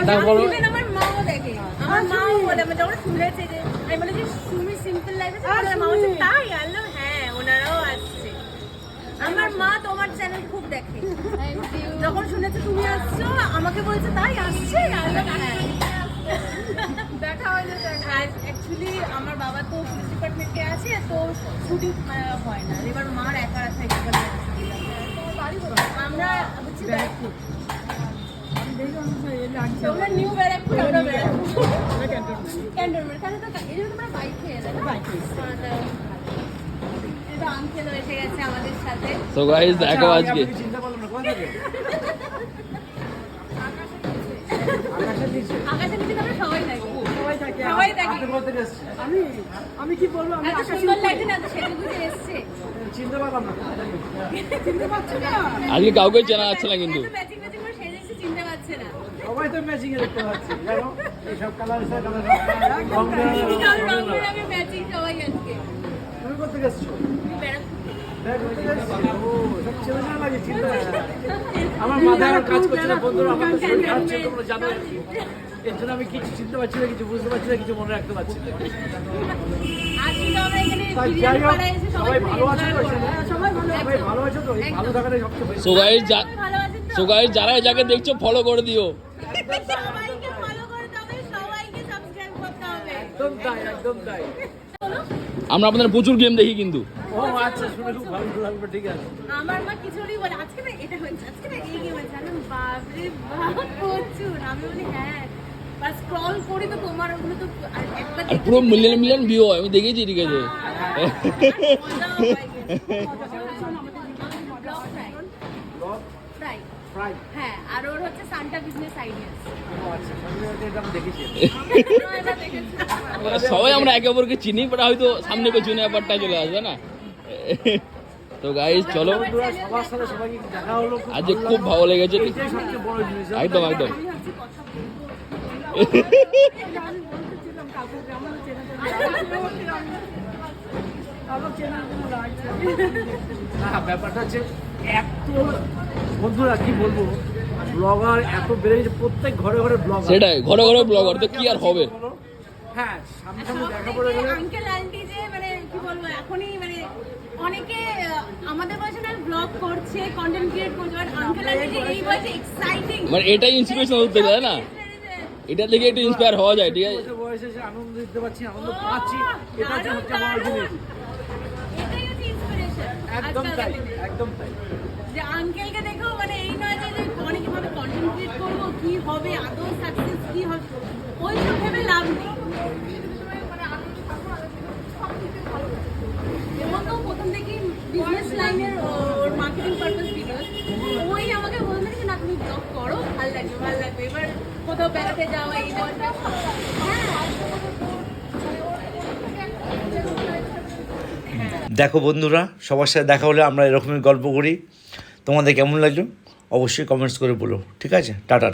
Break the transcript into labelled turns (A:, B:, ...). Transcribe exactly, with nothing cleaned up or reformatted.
A: আমার মাও দেখে, আমার মাও বলে, আমি যখন শুনেছে যে আমি বলে যে তুমি সিম্পল লাইফে মা বলছে তাই আল্লাহ, হ্যাঁ ওনারাও আসছে। আমার মা তোমার চ্যানেল খুব দেখে, যখন শুনেছে তুমি আসছো আমাকে বলছে তাই আসছে আল্লাহ, হ্যাঁ দেখা হয় না। আর অ্যাকচুয়ালি আমার বাবা তো পুলিশ ডিপার্টমেন্টে আছে, তো শুটিং হয় না, এবার মার একা থাকে। আমরা হচ্ছে ব্যারাকপুর, তোমরা নিউ ব্যারাকপুর, আমরা ব্যারাকপুর ক্যান্টনমেন্ট। তাহলে তো এই জন্য তোমরা বাইক খেয়ে এলে না? এটা আঙ্কেল এসে গেছে আমাদের সাথে।
B: সো গাইস দেখো আজকে
C: চিন্তা করলাম না কোথা থেকে
A: আকাশের নিচে আমরা সবাই থাকি, সবাই থাকি, সবাই থাকি।
C: আমি আমি কি বলবো, আমি
A: এত সুন্দর লাগছে না, তো সেটা বুঝে এসছে।
C: চিনতে পারলাম না, চিনতে পারছি না।
B: আজকে কাউকে চেনা যাচ্ছে না কিন্তু।
A: ম্যাচিং ম্যাচিং করে সেজে এসে চিনতে পারছে না।
C: সবাই তো ম্যাচিং এ দেখতে পাচ্ছি, জানো এই সব কালার এসে কালার
A: রং বেরঙের ম্যাচিং সবাই আজকে।
C: তুমি কোথা থেকে এসেছো? আমার মাথায় আর কাজ করছে না বন্ধুরা, আমার তো শরীর খাচ্ছে, তোমরা জানো। এর জন্য আমি কিছু চিনতে পারছি না, কিছু বুঝতে পারছি না, কিছু মনে রাখতে পারছি না। সবাই ভালো আছে তো? সবাই ভালো আছে তো? এই ভালো থাকাটাই সবচেয়ে বেশি।
B: সো গাইস সো গাইস যারা যাকে দেখছো ফলো করে দিও।
A: সবাইকে ফলো করতে হবে, সবাইকে সাবস্ক্রাইব করতে হবে।
C: একদম তাই, একদম তাই।
B: আমরা আপনাদের প্রচুর গেম দেখি কিন্তু।
C: ও আচ্ছা, শুনে খুব ভালো লাগবে, ঠিক আছে।
A: আমার মা কিছুই বলে আজকে না এটা হয়েছে, আজকে না এই গেম হয়েছে, আমি বাপরে বাপ প্রচুর। আমি বলি হ্যাঁ, বাস স্ক্রল করি তো তোমার ওগুলো তো আর একবার
B: আর পুরো মিলিয়ন মিলিয়ন ভিউ হয়, আমি দেখেছি, ঠিক আছে।
A: ফ্রাই
C: ফ্রাই,
A: হ্যাঁ, আর ওর হচ্ছে সান্টা বিজনেস আইডিয়াস।
C: ও আচ্ছা, এটা আমি দেখেছি।
B: সবাই আমরা একে অপরকে চিনি, বাট হয়তো সামনে পেছনে ব্যাপারটা চলে আসবে না। তো গাইস চলো,
C: সবার সাথে সবাইকে দেখা হলো,
B: আজকে খুব ভালো লেগেছে।
C: এটাই সবচেয়ে বড় জিনিস।
B: একদম একদম।
C: না, ব্যাপারটা হচ্ছে এত বন্ধুরা কি বলবো, ব্লগার এত বেড়ে গেছে, প্রত্যেক ঘরে ঘরে ব্লগার।
B: সেটাই, ঘরে ঘরে ব্লগার, তো কি আর হবে।
C: হ্যাঁ, সামনে সামনে দেখা পড়ে গেলে
A: আঙ্কেল আন্টি যে মানে কি বলবো, এখনই মানে অনেকে আমাদের বয়সে না ব্লগ করছে, কন্টেন্ট ক্রিয়েট করছে, বাট আঙ্কেল আন্টি যে এই বয়সে এক্সাইটিং,
B: মানে এটাই ইন্সপিরেশন হতে যায় না, এটা থেকে একটু ইন্সপায়ার হওয়া যায়, ঠিক আছে।
C: বয়সে যে আনন্দ দিতে পারছি, আনন্দ পাচ্ছি, এটা হচ্ছে সবচেয়ে বড় জিনিস।
A: এটাই হচ্ছে ইন্সপিরেশন
C: একদম তাই, একদম তাই।
A: যে আঙ্কেলকে দেখো মানে এই নয় যে অনেক ভাবে কন্টেন্ট ক্রিয়েট করবো, কি হবে আদৌ সাকসেস কি হবে, ওই সব ভেবে লাভ নেই। এবং তো প্রথম থেকেই বিজনেস লাইনের ওর মার্কেটিং পারপাস ভিডিওস, ওই আমাকে বলতে যে না তুমি ব্লগ করো, ভালো লাগবে ভালো লাগবে, এবার কোথাও বেড়াতে যাওয়া এই ব্যাপারটা।
D: দেখো বন্ধুরা, সবার সাথে দেখা হলে আমরা এরকমই গল্প করি। তোমাদের কেমন লাগলো অবশ্যই কমেন্টস করে বলো, ঠিক আছে। টাটা।